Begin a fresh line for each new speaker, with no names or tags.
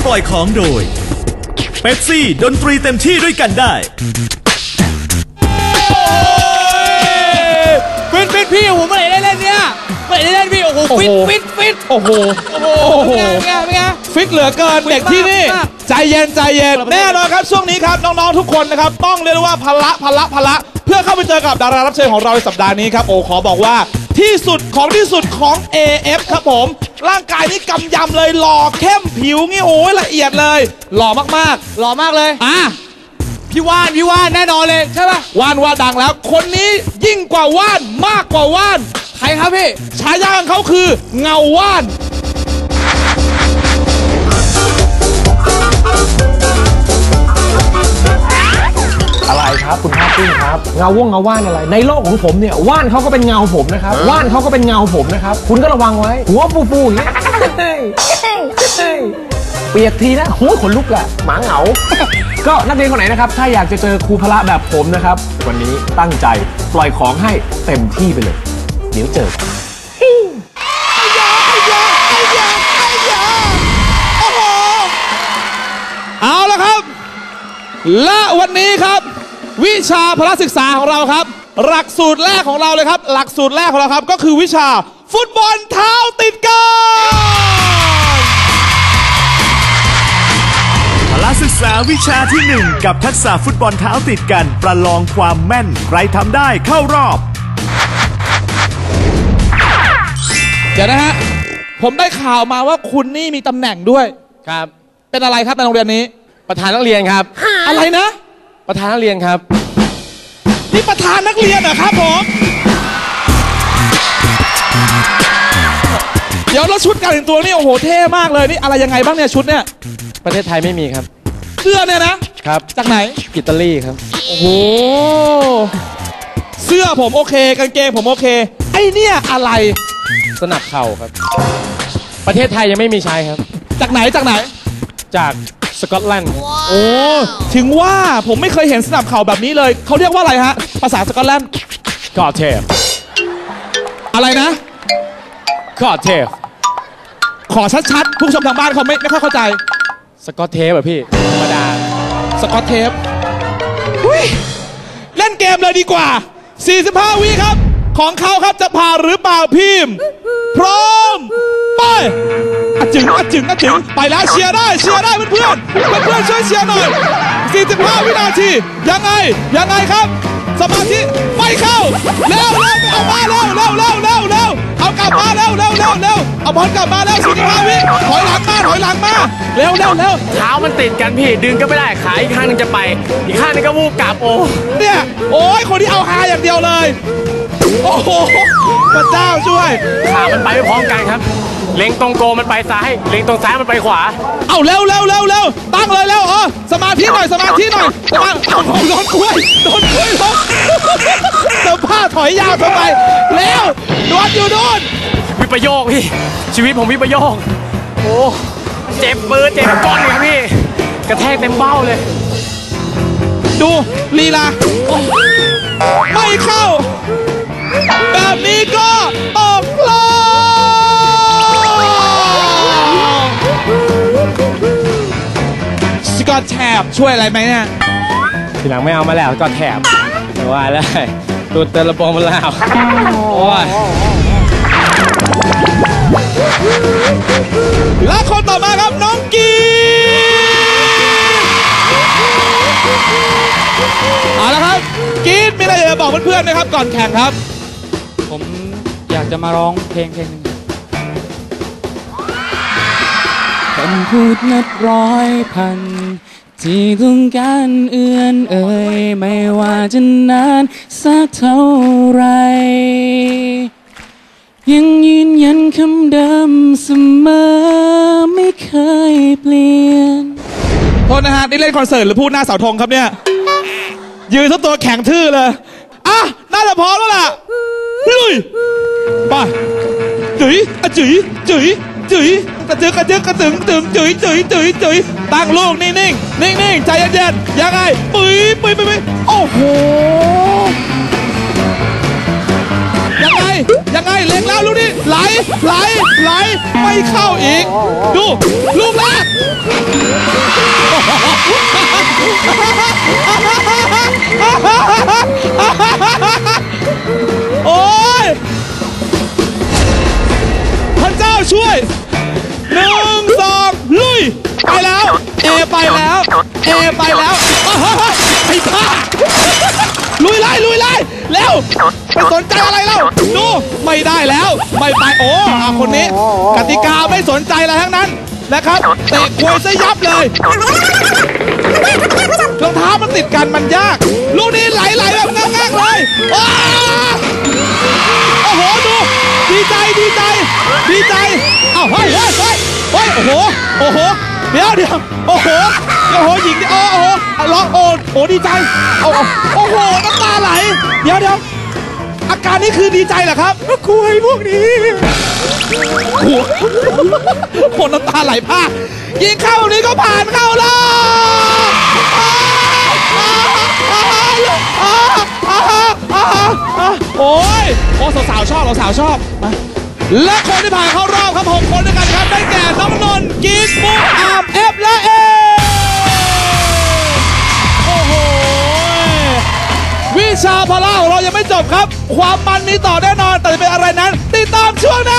ปล่อยของโดยเป๊ปซี่ดนตรีเต็มที่ด้วยกันได้
ฟิตพี่โอ้โหเมื่อไหร่ได้เล่นเนี่ยเมื่อไหร่ได้เล่นพี่โอ้โหฟิตโอ้โหเป็นไงฟิตเหลือเกินเด็กที่นี่ใจเย็นแน่นอนครับช่วงนี้ครับน้องๆทุกคนนะครับต้องเรียกว่าพละเพื่อเข้าไปเจอกับดารารับเชิญของเราในสัปดาห์นี้ครับโอ้ขอบอกว่าที่สุดของ AF ครับผมร่างกายนี่กำยำเลยหล่อเข้มผิวงี้โอ้ยละเอียดเลยหล่อมากเลยพี่ว่านแน่นอนเลยใช่ป่ะว่านดังแล้วคนนี้ยิ่งกว่าว่านมากกว่าว่านใครครับพี่ฉายาของเขาคือเงาว่าน
อะไรครับคุณภาคภูมิครับเงาว่านอะไรในโลกของผมเนี่ยว่านเขาก็เป็นเงาผมนะครับว่านเขาก็เป็นเงาผมนะครับคุณก็ระวังไว้หัวฟูอย่างเงี้ยเปียกทีนะหัวขนลุกอะหมาเหงาก็นักเรียนคนไหนนะครับถ้าอยากจะเจอครูพละแบบผมนะครับวันนี้ตั้งใจปล่อยของให้เต็มที่ไปเลยเดี๋ยวเจอ
เอาละครับและวันนี้ครับวิชาพละศึกษาของเราครับหลักสูตรแรกของเราเลยครับหลักสูตรแรกของเราครับก็คือวิชาฟุตบอลเท้าติดกัน
พละศึกษาวิชาที่1กับทักษะฟุตบอลเท้าติดกันประลองความแม่นใครทำได้เข้ารอบ
เดี๋ยวนะฮะผมได้ข่าวมาว่าคุณนี่มีตำแหน่งด้วย
ครับ
เป็นอะไรครับในโรงเรียนนี้
ประธานนักเรียนครับ
อะไรนะ
ประธานนักเรียนครับ
นี่ประธานนักเรียนเหรอครับผมเดี๋ยวแล้วชุดการแต่งตัวนี่โอ้โหเท่มากเลยนี่อะไรยังไงบ้างเนี่ยชุดเนี่ย
ประเทศไทยไม่มีครับ
เสื้อเนี่ยนะครับจากไหน
อิตาลีครับ
โอ้โหเสื้อผมโอเคกางเกงผมโอเคไอ้เนี่ยอะไร
สนับเข่าครับประเทศไทยยังไม่มีใช้ครับ
จากไหน
จากสกอตแลนด์
โอ้ถึงว่าผมไม่เคยเห็นสนับเข่าแบบนี้เลยเขาเรียกว่าอะไรฮะภาษาสกอตแลนด์
กอเทฟ
อะไรนะ
กอเทฟ
ขอชัดๆผู้ชมทางบ้านเขาไม่ค่อยเข้าใจ
สกอตเทปแบบพี่ธรรมดา
สกอตเทปเล่นเกมเลยดีกว่า45วิครับของเขาครับจะผ่านหรือเปล่าพิมพ์พร้อมไปจึงไปแล้วเชียร์ได้เพื่อนช่วยเชียร์หน่อย45วินาทียังไงครับสมาธิไปเข้าเร็วเอามาเร็วเอากลับมาเร็วเอาบอลกลับมาแล้ว45วิถอยหลังมาเร็ว
เท้ามันติดกันพี่ดึงก็ไม่ได้ขาอีกข้างนึงจะไปอีกข้างนึงก็วูบกลับโอ้
เนี่ยโอ้ยคนที่เอาหาอย่างเดียวเลยโอ้โหพระเจ้าช่วย
ขามันไปไม่พร้อมกันครับเล็งตรงโกมันไปซ้ายเล็งตรงซ้ายมันไปขวา
เอาเร็วตั้งเลยเร็วสมาธิหน่อยโดนกล้วยลงเสื้อผ้าถอยยาวทำไมเร็วโดนอยู่โดน
วิปโยคพี่ชีวิตผมวิปโยคโอ้เจ็บมือเจ็บก้นเลยพี่กระแทกเต็มเบ้าเลย
ดูลีลาไม่เข้าแบบนี้ก็ตกรอบสกอตแทบช่วยอะไรไหมเนี่ย
ทีหลังไม่เอามาแล้วก็แทบไม่ว่าแล้วตูดเตลบองมาแล้วโอ้ย
และคนต่อมาครับน้องกีเอาละครับกีดมีอะไรจะบอกเพื่อนๆไหมครับก่อนแข่งครับ
ผมอยากจะมาร้องเพลงหนึ่งคำพูดนับร้อยพันที่ต้องการเอื้อนเอ่ยไม่ว่าจะนานสักเท่าไรยังยืนยันคำเดิมเสมอไม่เคยเปลี่ยน
โทษนะฮะนี่เล่นคอนเสิร์ตหรือพูดหน้าเสาธงครับเนี่ยยืนทั้งตัวแข็งทื่อเลยน่าจะพร้อมแล้วล่ะลุยไปจุ๋ยกระตึงตั้งลูกนิ่งใจเย็นๆยังไงปุ้ยโอ้โหยังไงเล็งแล้วลูกนี้ไหลไม่เข้าอีกดูลูกแรกโอ้ยพระเจ้าช่วย1 2ลุยไปแล้วไปแล้วไอ้บ้าลุยไล่แล้วไปสนใจอะไรแล้วดูไม่ได้แล้วไม่ไปโอ้คนนี้กติกาไม่สนใจอะไรทั้งนั้นนะครับเตะควยซะยับเลยรองเท้ามันติดกันมันยากลูกนี้ไหลแบบง่างๆเลยโอ้โหดูดีใจเอ้าเฮ้ยโอ้โหเดี๋ยวโอ้โหหญิงโอ้โหร้องโอ้ดีใจโอ้โหน้ำตาไหลเดี๋ยวอาการนี้คือดีใจเหรอครับคุยพวกนี้คนน้ำตาไหลพากยิงเข้าแบบนี้ก็ผ่านเข้ารอบโอ้สาวชอบมาและคนที่ผ่านเข้ารอบครับ6 คนด้วยกันครับได้แก่น้องนนท์กีสมุกอามและเอโอ้โหวิชาพละของเรายังไม่จบครับความมันมีต่อแน่นอนแต่จะเป็นอะไรนั้นติดตามช่วงหน้า